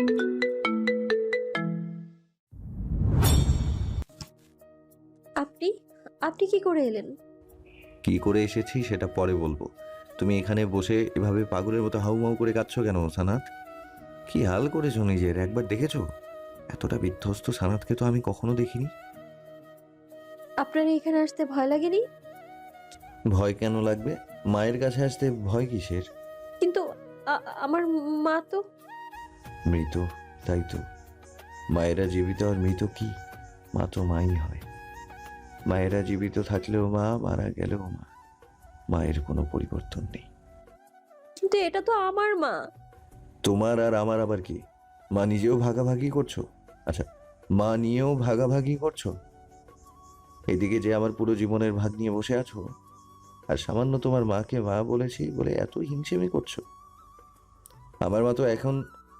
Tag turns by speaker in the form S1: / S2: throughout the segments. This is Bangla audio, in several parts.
S1: আপনি আপনি কি করে এলেন?
S2: কি করে এসেছি সেটা পরে বলবো। তুমি এখানে বসে এভাবে পাগলের মতো হাউমাউ করে কাঁদছো কেন সানাত? কি হাল করেছো নিজের, একবার দেখেছো? এতটা বিধ্বস্ত সানাতকে তো আমি কখনো দেখিনি।
S1: আপনার এখানে আসতে ভয় লাগেনি?
S2: ভয় কেন লাগবে? মায়ের কাছে আসতে ভয় কিসের?
S1: কিন্তু আমার মা তো।
S2: মৃত, তাই তো। মায়েরা জীবিত আর মৃত কি? মা তো মাই হয়। মায়েরা জীবিত থাকলেও মা, মারা গেলেও মা। মায়ের কোনো পরিবর্তন নেই।
S1: কিন্তু এটা তো আমার মা।
S2: তোমার আর আমার আবার কি? মা নিজেও ভাগাভাগি করছো? আচ্ছা, মা নিয়েও ভাগাভাগি করছো? এদিকে যে আমার পুরো জীবনের ভাগ নিয়ে বসে আছো, আর সামান্য তোমার মাকে মা বলেছি বলে এত হিংসেমি করছো। আমার মা তো এখন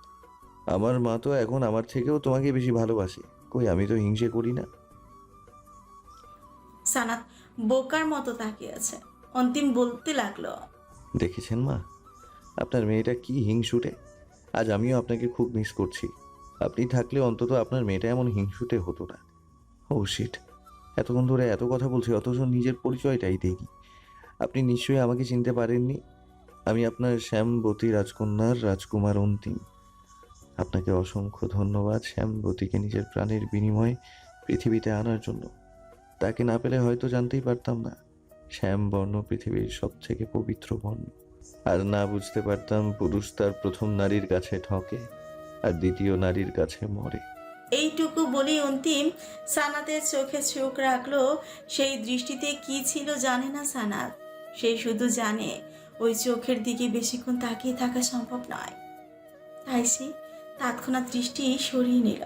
S2: আমার থেকেও তোমাকে বেশি ভালোবাসে। কই, আমি তো হিংসে করি না।
S3: সানাত বোকার মতো তাকিয়ে আছে। অন্তিম বলতে লাগলো,
S2: দেখেছেন মা, আপনার মেয়েটা কি হিংসুটে। আজ আমিও আপনাকে খুব মিস করছি। আপনি থাকলে অন্তত আপনার মেয়েটা এমন হিংসুটে হতো না। ও শিট, এতক্ষণ ধরে এত কথা বলছি অথচ নিজের পরিচয়টাই দেইনি। আপনি নিশ্চয়ই আমাকে চিনতে পারেননি। আমি আপনার শ্যামবতী রাজকন্যার রাজকুমার অন্তিম। আপনাকে অসংখ্য ধন্যবাদ শ্যামবতীকে নিজের প্রাণের বিনিময়ে পৃথিবীতে আনার জন্য। তাকে না পেলে হয়তো জানতেই পারতাম না শ্যাম বর্ণ পৃথিবীর সব থেকে পবিত্র বর্ণ। আর না বুঝতে পারতাম পুরুষ তার প্রথম নারীর কাছে ঠকে আর দ্বিতীয় নারীর কাছে মরে।
S3: এইটুকু বলেই অন্তিম সানাতের চোখে চোখ রাখলো। সেই দৃষ্টিতে কি ছিল জানে না সানাত। সে শুধু জানে ওই চোখের দিকে বেশিক্ষণ তাকিয়ে থাকা সম্ভব নয়। তাই সে তৎক্ষণাৎ দৃষ্টি সরিয়ে নিল।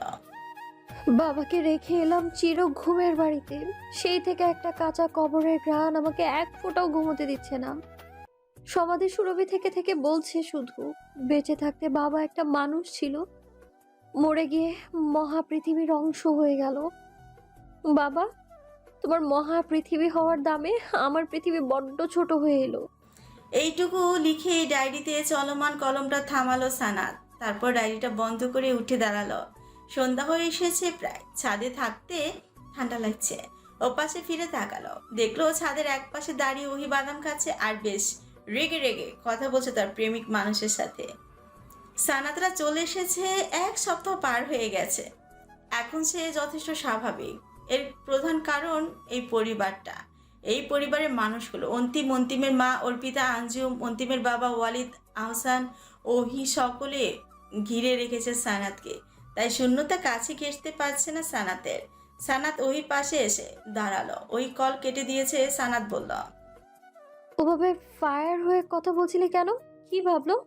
S1: বাবাকে রেখে এলাম চির ঘুমের বাড়িতে, সেই থেকে একটা কাঁচা কবরের ঘ্রাণ আমাকে এক ফোঁটাও ঘুমোতে দিচ্ছে না। সমাধি সুরভি থেকে থেকে বলছে শুধু, বেঁচে থাকতে বাবা একটা মানুষ ছিল, মরে গিয়ে মহাপৃথিবীর অংশ হয়ে গেল। বাবা, তোমার মহাপৃথিবী হওয়ার দামে আমার পৃথিবী বড্ড ছোট হয়ে এলো।
S3: এইটুকু লিখে ডায়েরিতে চলমান কলমটা থামালো সানাত। তারপর ডায়েরিটা বন্ধ করে উঠে দাঁড়ালো। সন্ধ্যা হয়ে এসেছে প্রায়। ছাদে থাকতে ঠান্ডা লাগছে। ওপাশে ফিরে তাকালো, দেখলো ছাদের এক পাশে দাঁড়িয়ে ওহি বাদাম খাচ্ছে আর বেশ রেগে রেগে কথা বলছে তার প্রেমিক মানুষের সাথে। সানাতরা চলে এসেছে, 1 সপ্তাহ পার হয়ে গেছে। এখন সে যথেষ্ট স্বাভাবিক। এর প্রধান কারণ এই পরিবারটা, এই পরিবারের মানুষগুলো। অন্তিমের মা অর্পিতা, আঞ্জুম, অন্তিমের বাবা ওয়ালিদ আহসান, ওহি, সকলে ঘিরে রেখেছে সানাতকে। তাই শূন্যতা কাছে ঘেঁষতে পারছে না সানাতের। সানাত ওহির পাশে এসে দাঁড়ালো। ওই কল কেটে দিয়েছে। সানাত বলল,
S1: ওভাবে ফায়ার হয়ে কথা বলছিলে কেন? কি ভাবলো?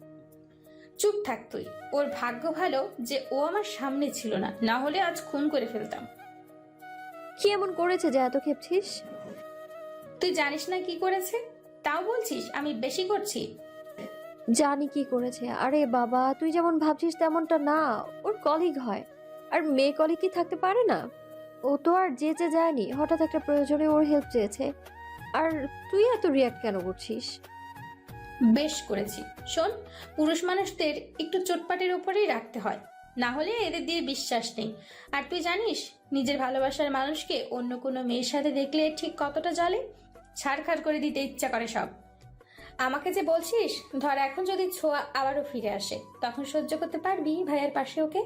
S4: চুপ থাক তুই। ওর ভাগ্য ভালো যে ও আমার সামনে ছিল না, না হলে আজ খুন করে ফেলতাম।
S1: কি এমন করেছে যে এত খেপছিস?
S4: তুই জানিস না কি করেছে, তাও বলছিস আমি বেশি করছি?
S1: জানি কি করেছে। আরে বাবা, তুই যেমন ভাবছিস তেমনটা না। ওর কলিগ হয়, আর মেয়ে কলিগ কি থাকতে পারে না? ও তো আর যেচে যায়নি, হঠাৎ একটা প্রয়োজনে ওর হেল্প চেয়েছে। আর তুই এত রিয়াক্ট কেন করছিস?
S4: বেশ করেছি। শোন, পুরুষ মানুষদের একটু চোটপাটের উপরেই রাখতে হয়, না হলে এদের দিয়ে বিশ্বাস নেই। আর তুই জানিস নিজের ভালোবাসার মানুষকে অন্য কোনো মেয়ের সাথে দেখলে ঠিক কতটা জ্বলে, ছাড়খাড় করে দিতে ইচ্ছা করে সব। আমাকে যে বলছিস, ধর এখন যদি ছোঁয়া আবারও ফিরে আসে, তখন সহ্য করতে পারবি ভাইয়ের পাশে ওকে?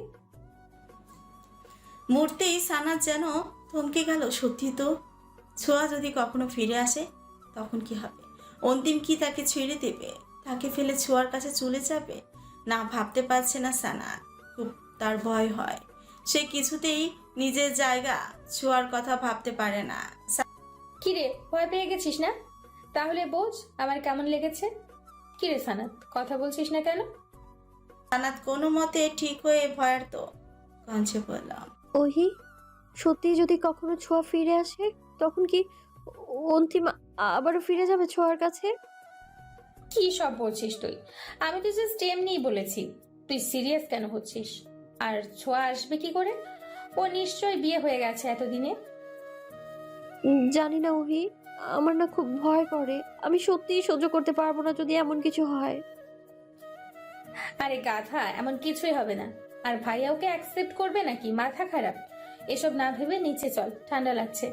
S3: মুহূর্তেই সানাত যেন থমকে গেল। সত্যি তো, ছোঁয়া যদি কখনো ফিরে আসে তখন কি হবে? অন্তিম কি তাকে ছেড়ে দেবে? তাকে ফেলে ছোঁয়ার কাছে চলে যাবে? না, ভাবতে পারছে না সানাত। খুব তার ভয় হয়। সে কিছুতেই নিজের জায়গা ছোঁয়ার কথা ভাবতে পারে না।
S4: কিরে, ভয় পেয়ে গেছিস না? তাহলে বোঝ আমার কেমন লেগেছে। কিরে সানাত, কথা বলছিস না কেন?
S3: সানাত কোনো মতে ঠিক হয়ে ভয়ার্ত কঞ্চে বললাম,
S1: ওহি, সত্যি যদি কখনো ছোঁয়া ফিরে আসে, তখন কি অন্তিম আবারও ফিরে যাবে ছোঁয়ার কাছে?
S4: কি সব বলছিস তুই? আমি তো জাস্ট এমনিই বলেছি। তুই সিরিয়াস কেন হচ্ছিস? আর ছোঁয়া আসবে কি করে? ও নিশ্চয় বিয়ে হয়ে গেছে এতদিনে।
S1: জানি না ওহি, আমার না খুব ভয় করে। আমি সত্যিই সহ্য করতে পারবো না যদি এমন কিছু হয়।
S4: আরে গাধা, এমন কিছুই হবে না। আর ভাইয়া ওকে অ্যাকসেপ্ট করবে নাকি? মাথা খারাপ। এসব না ভেবে নিচে চল, ঠান্ডা লাগছে।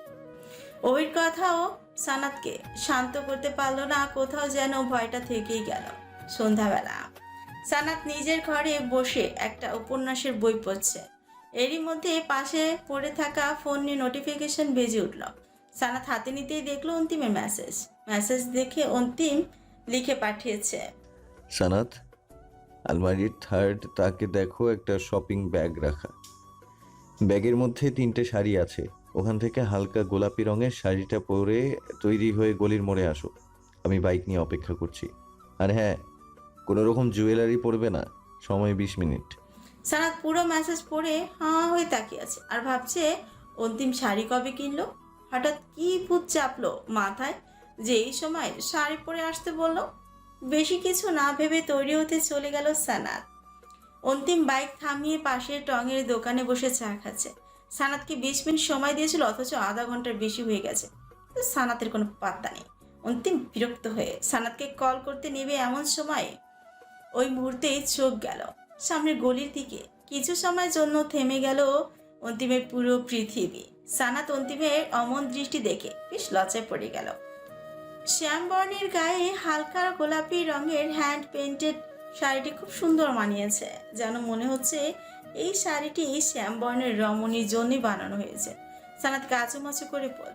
S3: ওর কথাও সানাতকে শান্ত করতে পারলো না, কোথাও যেন ভয়টা থেকেই গেল। সন্ধ্যাবেলা সানাত নিজের ঘরে বসে একটা উপন্যাসের বই পড়ছে। এরই মধ্যে পাশে পড়ে থাকা ফোন নিয়ে নোটিফিকেশন বেজে উঠল। সানাত হাতে নিতেই দেখলো অন্তিমের মেসেজ দেখে অন্তিম লিখে পাঠিয়েছে,
S2: সানাত, আলমারির থার্ড তাকে দেখো, একটা শপিং ব্যাগ রাখা। ব্যাগের মধ্যে 3টে শাড়ি আছে। ওখান থেকে হালকা গোলাপি রঙের শাড়িটা পরে তৈরি হয়ে গলির মোড়ে আসো। আমি বাইক নিয়ে অপেক্ষা করছি। আর হ্যাঁ, কোনো রকম জুয়েলারি পরবে না। সময় 20 মিনিট।
S3: সানাত পুরো মেসেজ পড়ে হাঁ হয়ে তাকিয়ে আছে আর ভাবছে অন্তিম শাড়ি কবে কিনলো। হঠাৎ কি ভূত চাপলো মাথায় যে এই সময় শাড়ি পরে আসতে বললো। বেশি কিছু না ভেবে তৈরি হতে চলে গেল সানাত। অন্তিম বাইক থামিয়ে পাশের টঙের দোকানে বসে চা খাচ্ছে। সানাতকে 20 মিনিট সময় দিয়েছিল, অথচ আধা ঘন্টার বেশি হয়ে গেছে। কিন্তু সানাতের কোনো পাত্তা নেই। অন্তিম বিরক্ত হয়ে সানাতকে কল করতে নেবে এমন সময় ওই মুহূর্তেই চোখ গেল সামনের গলির দিকে। কিছু সময়ের জন্য থেমে গেল অন্তিমের পুরো পৃথিবী। সানাত অন্তিমের অমন দৃষ্টি দেখে বেশ লজ্জায় পড়ে গেল। শ্যামবর্ণের গায়ে হালকা গোলাপি রঙের হ্যান্ড পেইন্টেড শাড়িটি খুব সুন্দর মানিয়েছে, যেন মনে হচ্ছে এই শাড়িটি শ্যামবর্ণের রমণীর জন্যই বানানো হয়েছে। সানাত কাচুমাচু করে পড়ল।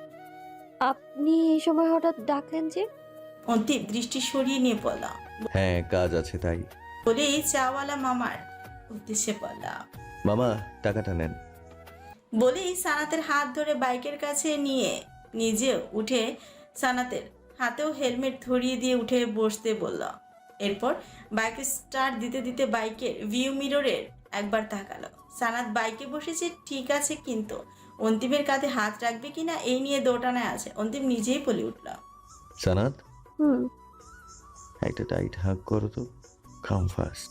S1: আপনি এই সময় হঠাৎ ডাকলেন যে?
S3: অন্তিম দৃষ্টি সরিয়ে নিয়ে পড়ল।
S2: হ্যাঁ, কাজ আছে তাই।
S3: বলেই চাওয়ালা মামার উদ্দেশ্যে পড়ল।
S2: মামা, টাকাটা নেন।
S3: বলেই সানাতের হাত ধরে বাইকের কাছে নিয়ে নিজেও উঠে সানাতের হাতেও হেলমেট ধরিয়ে দিয়ে উঠে বসতে বলল। এরপর বাইক স্টার্ট দিতে দিতে বাইকের ভিউ মিররের একবার তাকালো। সানাত বাইকে বসেছে ঠিক আছে, কিন্তু অন্তিমের কাঁধে হাত রাখবে কিনা এই নিয়ে দোটানায় আছে। অন্তিম নিজেই বলে উঠল,
S2: সানাত,
S1: হুম।
S2: একটা টাইট হাগ করো তো। কাম ফাস্ট।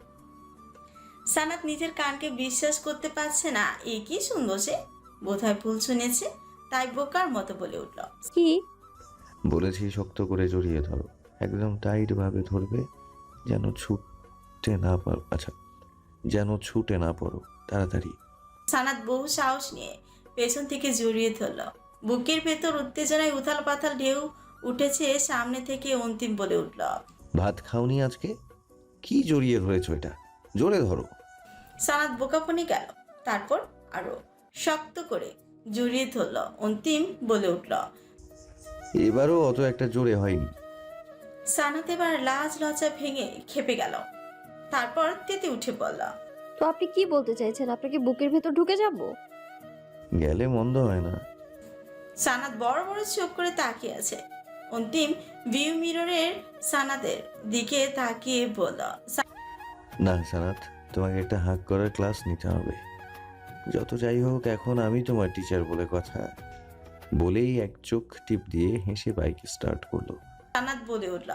S3: সানাত নিজের কানকে বিশ্বাস করতে পারছে না। এ কি সুন্দর, সে বোধহয় ভুল শুনেছে, তাই বোকার মতো বলে উঠল,
S1: কি?
S2: বলেছি শক্ত করে জড়িয়ে ধরো। একদম টাইট ভাবে ধরবে, যেন ছুটতে না পারো। আচ্ছা, যেন ছুটে না পড়ো, তাড়াতাড়ি।
S3: সানাত বহু সাহস নিয়ে পেছন থেকে জড়িয়ে ধরল। বুকের ভেতর উত্তেজনায় উথাল পাথাল ঢেউ উঠেছে। সামনে থেকে অন্তিম বলে উঠল,
S2: ভাত খাওনি আজকে? কি জড়িয়ে ধরেছো? এটা জোরে ধরো।
S3: সানাত বোকাপনি গেল, তারপর আরো শক্ত করে জড়িয়ে ধরল। অন্তিম বলে উঠল,
S2: এবারও অত একটা জোরে হয়নি।
S3: সানাত এবার লাজ লজ্জা ভেঙে খেপে গেল, তারপর তেতে উঠে পড়ল।
S1: তো আপনি কি বলতে চাইছেন? আপনাকে বুকের ভেতর ঢুকে যাব?
S2: গেলে মন্দ হয় না।
S3: সানাত বড় বড় চোখ করে তাকিয়ে আছে। অন্তিম ভিউ মিররের সানাতের দিকে তাকিয়ে বলল,
S2: না সানাত, তোমাকে একটা হাগ করার ক্লাস নিতে হবে। যত যাই হোক, এখন আমি তোমার টিচার বলে কথা। বলেই এক চোখ টিপ দিয়ে হেসে বাইক স্টার্ট করলো।
S3: সানাত বলে উঠল,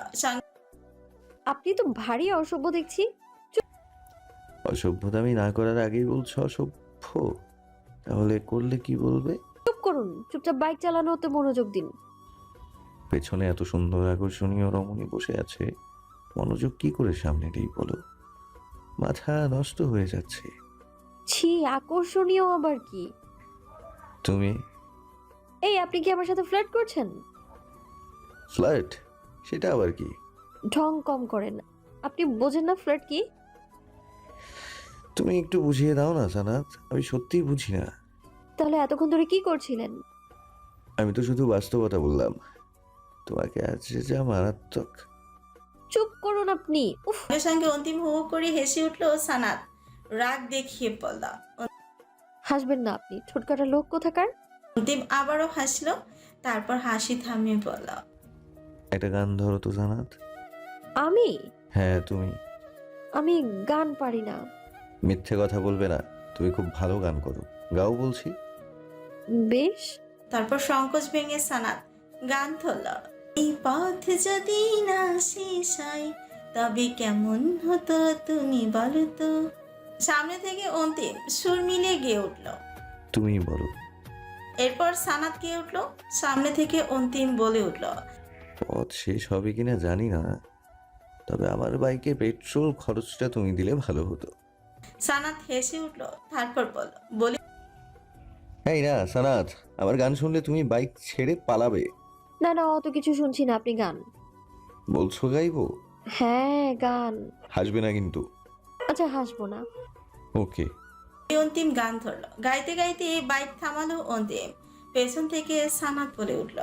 S1: আপনি তো ভারী অসভ্য দেখছি।
S2: অসভ্যতামি না করার আগেই বলছো অসভ্য? তাহলে করলে কি বলবে?
S1: চুপ করুন, চুপচাপ বাইক চালানোতে মনোযোগ দিন।
S2: পেছনে এত সুন্দর আকর্ষণীয় রমণী বসে আছে, মনোযোগ কি করে সামনে নেই বলো? মাথা নষ্ট হয়ে যাচ্ছে।
S1: ছি, আকর্ষণীয় আবার কি?
S2: তুমি
S1: এই, আপনি কি আমার সাথে ফ্লার্ট করছেন?
S2: ফ্লার্ট? সেটা আবার কি?
S1: ঢং কম করেন। আপনি বোঝেন না ফ্লার্ট কি?
S2: তুমি একটু বুঝিয়ে দাও না সানাত, আমি সত্যিই বুঝি না।
S1: তাহলে এতক্ষণ ধরে কি করছিলেন?
S2: আমি তো শুধু বাস্তবতা বললাম। তোমাকে আজ যা মারাত্মক।
S1: চুপ করুন আপনি। উফ।
S3: সঙ্গে সঙ্গে অন্তিম হু হু করে হেসে উঠল। সানাত রাগ দেখিয়ে পড়ল।
S1: হাসবেন না আপনি, ছোটকাটা লোক কোথাকার।
S3: অন্তিম আবারও হাসলো, তারপর হাসি থামিয়ে বলল,
S2: একটা গান ধরো তো সানাত।
S1: আমি
S2: হ্যাঁ তুমি।
S1: আমি গান পারি না।
S2: মিথ্যে কথা বলবে না, তুমি খুব ভালো গান করো, গাও বলছি।
S1: বেশ।
S3: তারপর সংকোচ ভেঙে সানাত গান ধরল, এই পথ যদি না শেষ হয় তবে কেমন হতো তুমি বলো তো। সামনে থেকে অন্তিম সুর মিলিয়ে গেয়ে উঠল।
S2: তুমি বলো।
S3: এরপর সানাত গেয়ে উঠল। সামনে থেকে অন্তিম বলে উঠল,
S2: পথ শেষ হবে কিনা জানি না, তবে আমার বাইকে পেট্রোল খরচটা তুমি দিলে ভালো হতো।
S3: সানাত হেসে উঠল, তারপর বলি
S2: এই না সানাত, আমার গান শুনলে তুমি বাইক ছেড়ে পালাবে।
S1: না না, অত কিছু শুনছি না, আপনি গান।
S2: বলছো গাইবো?
S1: হ্যাঁ গান।
S2: হাসবে না কিন্তু।
S1: আচ্ছা হাসবো না।
S2: ওকে।
S3: অন্তিম গান ধরলো। গাইতে গাইতে বাইক থামালো অন্তিম। পেছন থেকে সানাত বলে উঠল,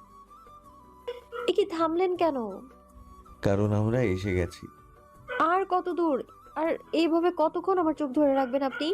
S1: এ কি থামলেন কেন?
S2: কারণ আমরা এসে গেছি।
S1: আর কত দূর? আর এইভাবে কতক্ষণ আমার চোখ ধরে রাখবেন আপনি?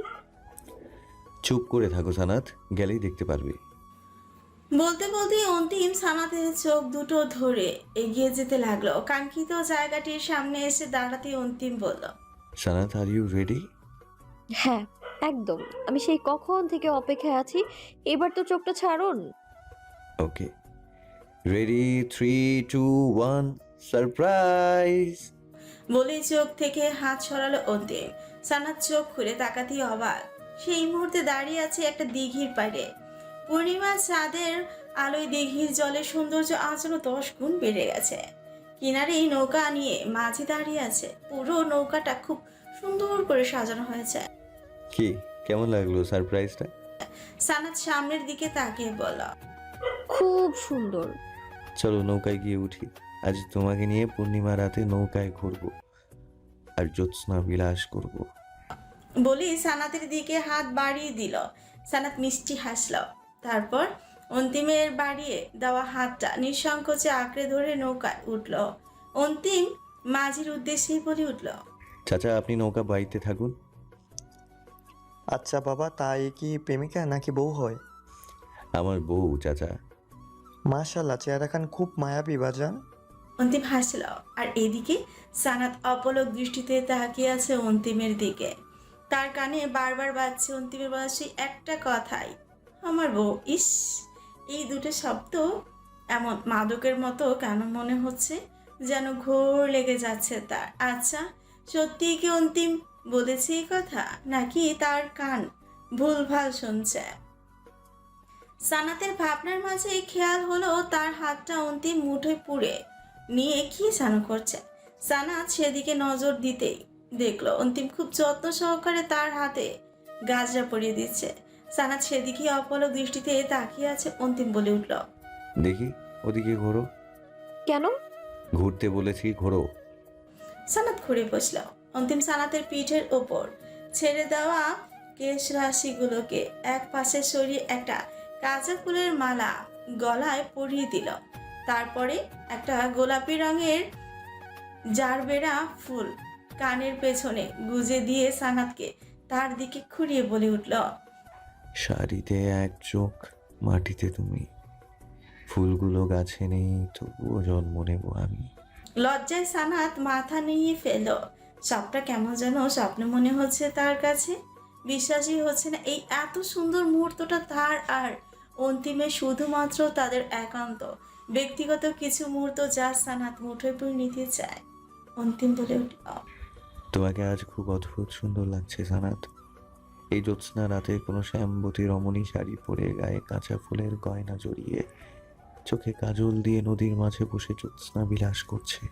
S2: চুপ করে থাকো সানাত, গেলেই দেখতে পারবে।
S3: বলতে বলতে অন্তিম সানাতের চোখ দুটো ধরে এগিয়ে যেতে লাগলো। কাঙ্ক্ষিত জায়গাটির সামনে এসে দাঁড়াতে অন্তিম বলল,
S2: সানাত, আর ইউ রেডি?
S1: হ্যাঁ একদম, আমি সেই কখন থেকে অপেক্ষায় আছি। এবার তো চোখটা ছাড়ুন।
S2: Okay, ready, 3, 2, 1, surprise.
S3: বলে চোখ থেকে হাত সরালো অন্তিম। সানাত চোখ খুলে তাকাতেই অবাক। সেই মুহূর্তে দাঁড়িয়ে আছে একটা দিঘির পাড়ে। পূর্ণিমার চাঁদের আলোয় দিঘির জলের সৌন্দর্য আজ আরো 10 গুণ বেড়ে গেছে। কিনারেই নৌকা নিয়ে মাঝি দাঁড়িয়ে আছে। পুরো নৌকাটা খুব সুন্দর করে সাজানো হয়েছে।
S2: কি কেমন লাগলো সারপ্রাইজটা?
S3: সানাত সামনের দিকে তাকিয়ে বলল,
S1: খুব সুন্দর।
S2: চলো নৌকায় গিয়ে উঠি। আজ তোমাকে নিয়ে পূর্ণিমা রাতে নৌকায় ঘুরবো আর জ্যোৎস্না বিলাস করব।
S3: বলি সানাতের দিকে হাত বাড়িয়ে দিল। সানাত মিষ্টি হাসল, তারপর অন্তিমের বাড়িয়ে দেওয়া হাতটা নিঃসংকোচে আঁকড়ে ধরে নৌকায় উঠল। অন্তিম মাঝির উদ্দেশ্যেই বলে উঠল,
S2: চাচা, আপনি নৌকা বাইতে থাকুন।
S5: আচ্ছা বাবা, তা এ কি প্রেমিকা নাকি বউ হয়?
S2: আমার বউ চাচা।
S5: মাশাল্লাহ, চেহারা খান খুব মায়াবী বাজান।
S3: অন্তিম হাসল। আর এদিকে সানাত অপলক দৃষ্টিতে তাকিয়ে আছে অন্তিমের দিকে। তার কানে বারবার বাজছে অন্তিমের বলা সেই একটা কথাই, আমার বউ। ইস, এই দুটো শব্দ এমন মাদকের মতো কেন মনে হচ্ছে, যেন ঘোর লেগে যাচ্ছে তার। আচ্ছা, সত্যিই কি অন্তিম বলেছে এই কথা, নাকি তার কান ভুলভাল শুনছে? সানাতের ভাবনার মাঝে খেয়াল হলো তার হাতটা অন্তিম মুঠোয় পুড়ে নিয়ে কি যেন করছে। সানাত সেদিকে নজর দিতেই দেখলো অন্তিম খুব যত্ন সহকারে তার হাতে গাজরা পরিয়ে দিচ্ছে। সানাত সেদিকে অপলক দৃষ্টিতে তাকিয়ে আছে। অন্তিম বলে উঠল,
S2: দেখি ওদিকে ঘোরো।
S1: কেন?
S2: ঘুরতে বলেছি, ঘোরো।
S3: সানাত ঘুরে বসল। অন্তিম সানাতের পিঠের ওপর ছেড়ে দেওয়া কেশ রাশিগুলোকে এক পাশে সরিয়ে একটা কাঁচা ফুলের মালা গলায় পরিয়ে দিল। তারপরে একটা গোলাপি রঙের জারবেরা ফুল কানের পেছনে গুজে দিয়ে সানাতকে তার দিকে ঘুরিয়ে বলে উঠল,
S2: শাড়িতে এক চোখ, মাটিতে তুমি। ফুলগুলো গাছে নেই, তবুও জন্ম নেব আমি।
S3: লজ্জায় সানাত মাথা নিয়ে ফেল। সবটা কেমন যেন স্বপ্ন মনে হচ্ছে তার কাছে। বিশ্বাসই হচ্ছে না এই এত সুন্দর মুহূর্তটা তার আর অন্তিমের শুধুমাত্র তাদের একান্ত ব্যক্তিগত কিছু মুহূর্ত, যা সানাত মুঠোয় করে নিতে চায়। অন্তিম বলে উঠল,
S2: তোমাকে আজ খুব অদ্ভুত সুন্দর লাগছে সানাত। এই জ্যোৎস্না রাতে কোনো শ্যামবতী রমণী শাড়ি পরে, গায়ে কাঁচা ফুলের গয়না জড়িয়ে, চোখে কাজল দিয়ে নদীর মাঝে বসে জ্যোৎস্না বিলাস করছে।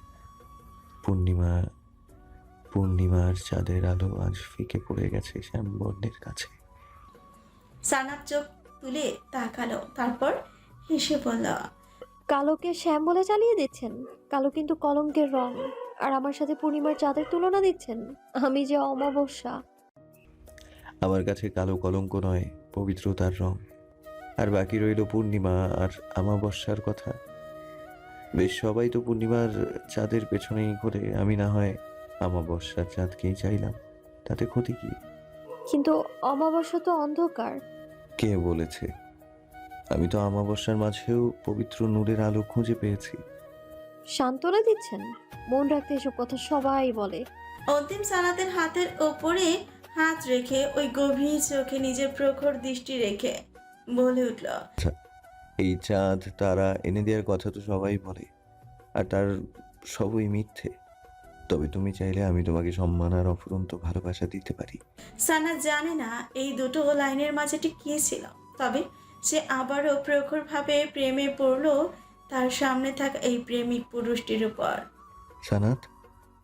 S2: পূর্ণিমার চাঁদের আলো আজ ফিকে পড়ে গেছে শ্যামবর্ণের কাছে।
S3: সানাত চোখ তুলে তাকালো, তারপর হেসে বলল,
S1: কালোকে শ্যাম বলে চালিয়ে দিচ্ছেন? কালো কিন্তু কলঙ্কের রং। আর আমার সাথে পূর্ণিমার চাঁদের তুলনা দিচ্ছেন? আমি যে অমাবস্যা।
S2: আমার কাছে কালো কলঙ্ক নয়, পবিত্রতার রং। আর বাকি রইল পূর্ণিমা আর আমাবস্যার কথা। বেশ, সবাই তো পূর্ণিমার চাঁদের পেছনেই ঘোরে, আমি না হয় আমাবস্যার চাঁদকেই চাইলাম, তাতে ক্ষতি কি?
S1: কিন্তু অমাবস্যা তো অন্ধকার।
S2: কে বলেছে? আমি তো আমাবস্যার মাঝেও পবিত্র নূরের আলো খুঁজে পেয়েছি।
S1: সান্ত্বনা দিচ্ছেন? মন রাখতে এসব কথা সবাই বলে।
S3: অন্তিম সানাতের হাতের ওপরে হাত রেখে ওই গভীর চোখে নিজের প্রখর দৃষ্টি রেখে বলে উঠল,
S2: এই চাঁদ তারা এনে দেওয়ার কথা তো সবাই বলে, আর তার সবই মিথ্যে। তবে তুমি চাইলে আমি তোমাকে সম্মান আর অফুরন্ত ভালোবাসা দিতে পারি।
S3: সানাত জানে না এই দুটো লাইনের মাঝে ঠিক কি ছিল, তবে সে আবারও প্রখরভাবে প্রেমে পড়ল তার সামনে থাকা এই প্রেমিক পুরুষটির উপর।
S2: সানাত,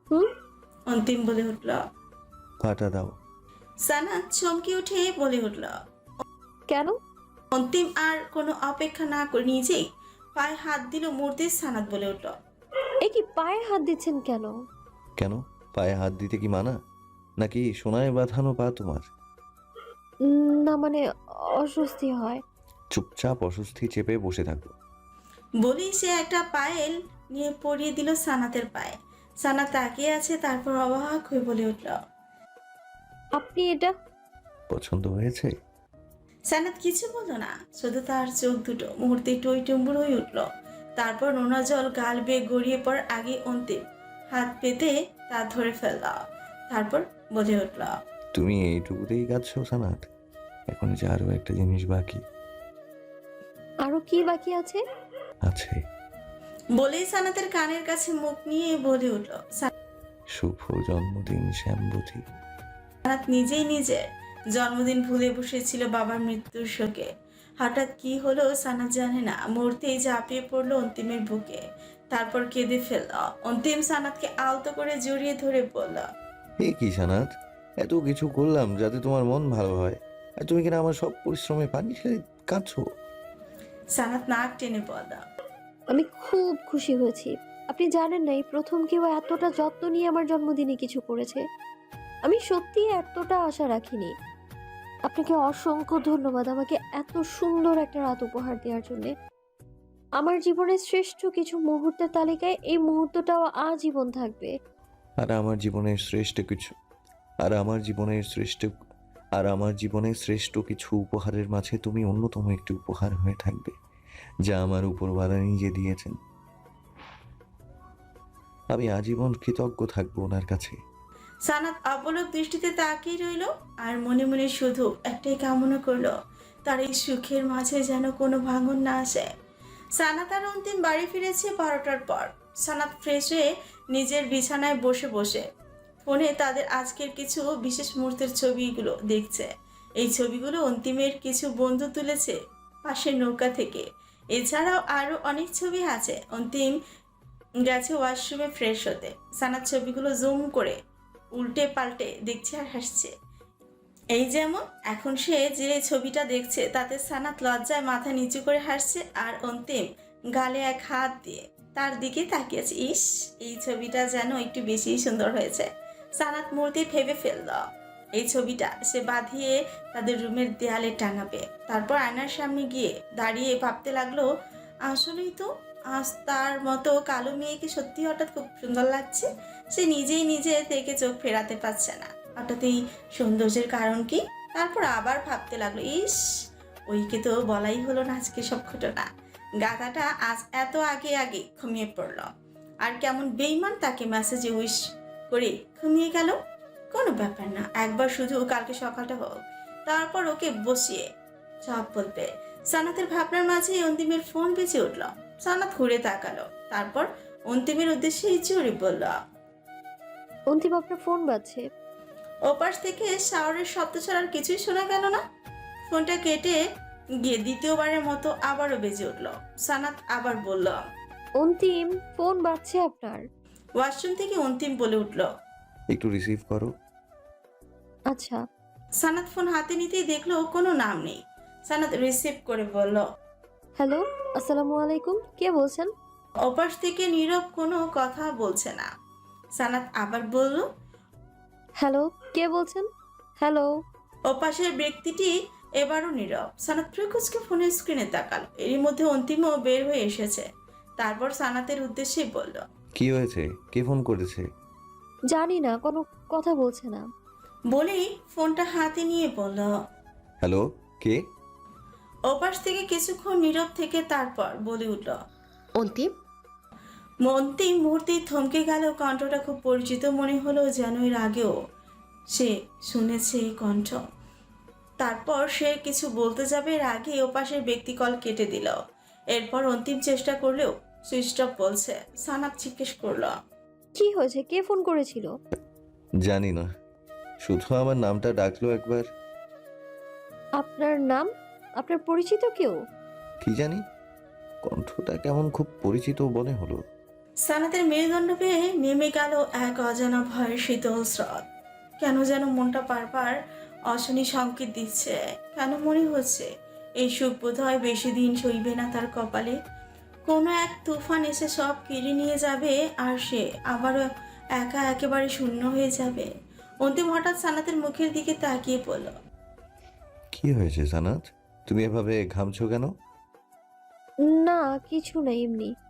S1: হুম?
S3: অন্তিম বলে উঠল।
S2: পাটা দাও।
S3: সানাত চমকে উঠে বলে উঠল।
S1: কেন?
S3: অন্তিম আর কোনো অপেক্ষা না করে নিজেই পায়ে হাত দিল মুহূর্তে সানাত বলে উঠল।
S1: এ কি পায়ে হাত দিচ্ছেন কেন?
S2: কেন? পায়ে হাত দিতে কি মানা? নাকি সোনায় বাঁধানো পা তোমার?
S1: না মানে অস্বস্তি হয়।
S2: চুপচাপ অস্বস্তি চেপে বসে থাকো।
S3: বলেই সে একটা পায়েল নিয়ে পরিয়ে দিল সানাতের পায়ে। সানাত তাকিয়ে আছে, তারপর অবাক হয়ে বলে উঠল।
S1: আপনি এটা
S2: পছন্দ হয়েছে?
S3: সানাত কিছু বলল না, শুধু তার চোখ দুটো মুহূর্তে টইটুম্বুর হয়ে উঠল। তারপর নোনা জল গাল বেয়ে গড়িয়ে পড়ার আগে অন্তিম হাত পেতে তা ধরে ফেলল। তারপর বলে উঠল।
S2: তুমি এইটুকুতেই কাঁদছো সানাত? এখন যে আরো একটা জিনিস বাকি
S1: আরো কি বাকি আছে?
S2: আছে।
S3: বলেই সানাতের কানের কাছে মুখ নিয়ে বলে উঠল।
S2: শুভ জন্মদিন শ্যামবতী।
S3: সানাত নিজেই নিজের জন্মদিন ভুলে বসেছিল বাবার মৃত্যুর শোকে। হঠাৎ কি হলো সানাত জানে না, মুহূর্তেই ঝাঁপিয়ে পড়লো অন্তিমের বুকে, তারপর কেঁদে ফেলল। অন্তিম সানাতকে আলতো করে জড়িয়ে ধরে বলল।
S2: এ কি সানাত, এত কিছু করলাম যাতে তোমার মন ভালো হয়, আর তুমি কিনা আমার সব পরিশ্রমে পানি ঢেলে কাঁদছো।
S3: সানাত নাক টেনে বলল।
S1: আমি খুব খুশি হয়েছি। আপনি জানেন না, এই প্রথম কেউ এতটা যত্ন নিয়ে আমার জন্মদিনে কিছু করেছে। আমি সত্যি এতটা আশা রাখিনি। আপনাকে অসংখ্য ধন্যবাদ আমাকে এত সুন্দর একটা রাত উপহার দেওয়ার জন্য। আমার জীবনের শ্রেষ্ঠ কিছু মুহূর্তের তালিকায় এই মুহূর্তটাও আজীবন থাকবে।
S2: আর আমার জীবনের শ্রেষ্ঠ কিছু আর আমার জীবনের শ্রেষ্ঠ আর আমার জীবনের শ্রেষ্ঠ কিছু উপহারের মাঝে তুমি অন্যতম একটি উপহার হয়ে থাকবে, যা আমার উপরওয়ালা নিজে দিয়েছেন। আমি আজীবন কৃতজ্ঞ থাকবো ওনার কাছে।
S3: সানাত অপলক দৃষ্টিতে তাকিয়ে রইল আর মনে মনে শুধু একটাই কামনা করলো, তার এই সুখের মাঝে যেন কোনো ভাঙন না আসে। সানাত আর অন্তিম বাড়ি ফিরেছে 12টার পর। সানাত ফ্রেশ হয়ে নিজের বিছানায় বসে বসে ফোনে তাদের আজকের কিছু বিশেষ মুহূর্তের ছবিগুলো দেখছে। এই ছবিগুলো অন্তিমের কিছু বন্ধু তুলেছে পাশের নৌকা থেকে। এছাড়াও আরো অনেক ছবি আছে। অন্তিম গেছে ওয়াশরুমে ফ্রেশ হতে। সানাত ছবিগুলো জুম করে উল্টে পাল্টে দেখছে আর হাসছে। এই যেমন এখন সে যে ছবিটা দেখছে তাতে সানাত লজ্জায় মাথা নিচু করে হাসছে, আর অন্তিম গালে এক হাত দিয়ে তার দিকে তাকিয়েছে। ইস, এই ছবিটা যেন একটু বেশি সুন্দর হয়েছে। সানাত মুহূর্তে ভেবে ফেলল এই ছবিটা সে বাঁধিয়ে তাদের রুমের দেয়ালে টাঙাবে। তারপর আয়নার সামনে গিয়ে দাঁড়িয়ে ভাবতে লাগলো, আসলেই তো আজ তার মতো কালো মেয়েকে সত্যি হঠাৎ খুব সুন্দর লাগছে। সে নিজেই নিজে থেকে চোখ ফেরাতে পারছে না। হঠাৎ এই সৌন্দর্যের কারণ কি? তারপর আবার ভাবতে লাগলো, ইস, ওইকে তো বলাই হলো না আজকে সব ঘটনা। গাধাটা আজ এত আগে আগে ঘুমিয়ে পড়ল, আর কেমন বেইমান তাকে মেসেজে উইশ করে ঘুমিয়ে গেল। কোনো ব্যাপার না, একবার শুধু কালকে সকালটা হোক, তারপর ওকে বসিয়ে সব বলবে। সানাতের ভাবনার মাঝে অন্তিমের ফোন বেজে উঠল। সানাত ঘুরে তাকালো, তারপর অন্তিমের উদ্দেশ্যে জোরে বলল।
S1: অন্তিম আপনার ফোন বাজছে।
S3: ওপাশ থেকে শাওয়ারের শব্দ ছাড়ার কিছুই শোনা গেল না। ফোনটা কেটে গিয়ে দ্বিতীয়বারের মতো আবারও বেজে উঠল। সানাত আবার বলল।
S1: অন্তিম ফোন বাজছে আপনার।
S3: ওয়াশরুম থেকে অন্তিম বলে উঠল।
S2: একটু রিসিভ করো।
S1: আচ্ছা।
S3: সানাত ফোন হাতে নিতেই দেখলো কোনো নাম নেই। সানাত রিসিভ করে বলল।
S1: হ্যালো, আসসালামু আলাইকুম, কে বলছেন?
S3: ওপাশ থেকে নীরব, কোনো কথা বলছে না। সানাত আবার বলল।
S1: হ্যালো, কে বলছেন? হ্যালো।
S3: ওপাশের ব্যক্তিটি এবারও নীরব। সানাত ফ্রিকুচকে ফোনের স্ক্রিনে তাকালো। এরই মধ্যে অন্তিমও বের হয়ে এসেছে। তারপর সানাতের উদ্দেশ্যে বলল।
S2: কি হয়েছে? কে ফোন করেছে?
S1: জানি না, কোনো কথা বলছে না।
S3: বলেই ফোনটা হাতে নিয়ে বলল।
S2: হ্যালো, কে?
S3: ওপাশ থেকে কিছুক্ষণ নীরব থেকে তারপর বলে উঠল।
S6: অন্তিম।
S3: অন্তিম মুহূর্তেই থমকে গেল। কণ্ঠটা খুব পরিচিত মনে হলো, যেন এর আগেও সে শুনেছে এই কণ্ঠ। তারপর সে কিছু বলতে যাবে, এর আগে ওপাশের ব্যক্তি কল কেটে দিল। এরপর অন্তিম চেষ্টা করলেও সুইচ অফ বলছে। সানাত জিজ্ঞেস করলো।
S1: কি হয়েছে, কে ফোন করেছিল?
S2: জানি না, শুধু আমার নামটা ডাকলো একবার।
S1: আপনার নাম? আপনার পরিচিত কেউ?
S2: কি জানি, কণ্ঠটা কেমন খুব পরিচিত মনে হলো।
S3: সানাতের মেরুদণ্ড পেয়ে নেমে গেল এক অজানা ভয়ের শীতল স্রোত। কেন যেন মনটা বারবার অশনি সংকেত দিচ্ছে। কেন মনে হচ্ছে এই সুখ বোধহয় বেশি দিন সইবে না তার কপালে। কোনো এক তুফান এসে সব কেড়ে নিয়ে যাবে আর সে আবারও একা একেবারে শূন্য হয়ে যাবে। অন্তিম হঠাৎ সানাতের মুখের দিকে তাকিয়ে পড়ল।
S2: কি হয়েছে সানাত? তুমি এভাবে ঘামছো কেন?
S1: না কিছু না, এমনি।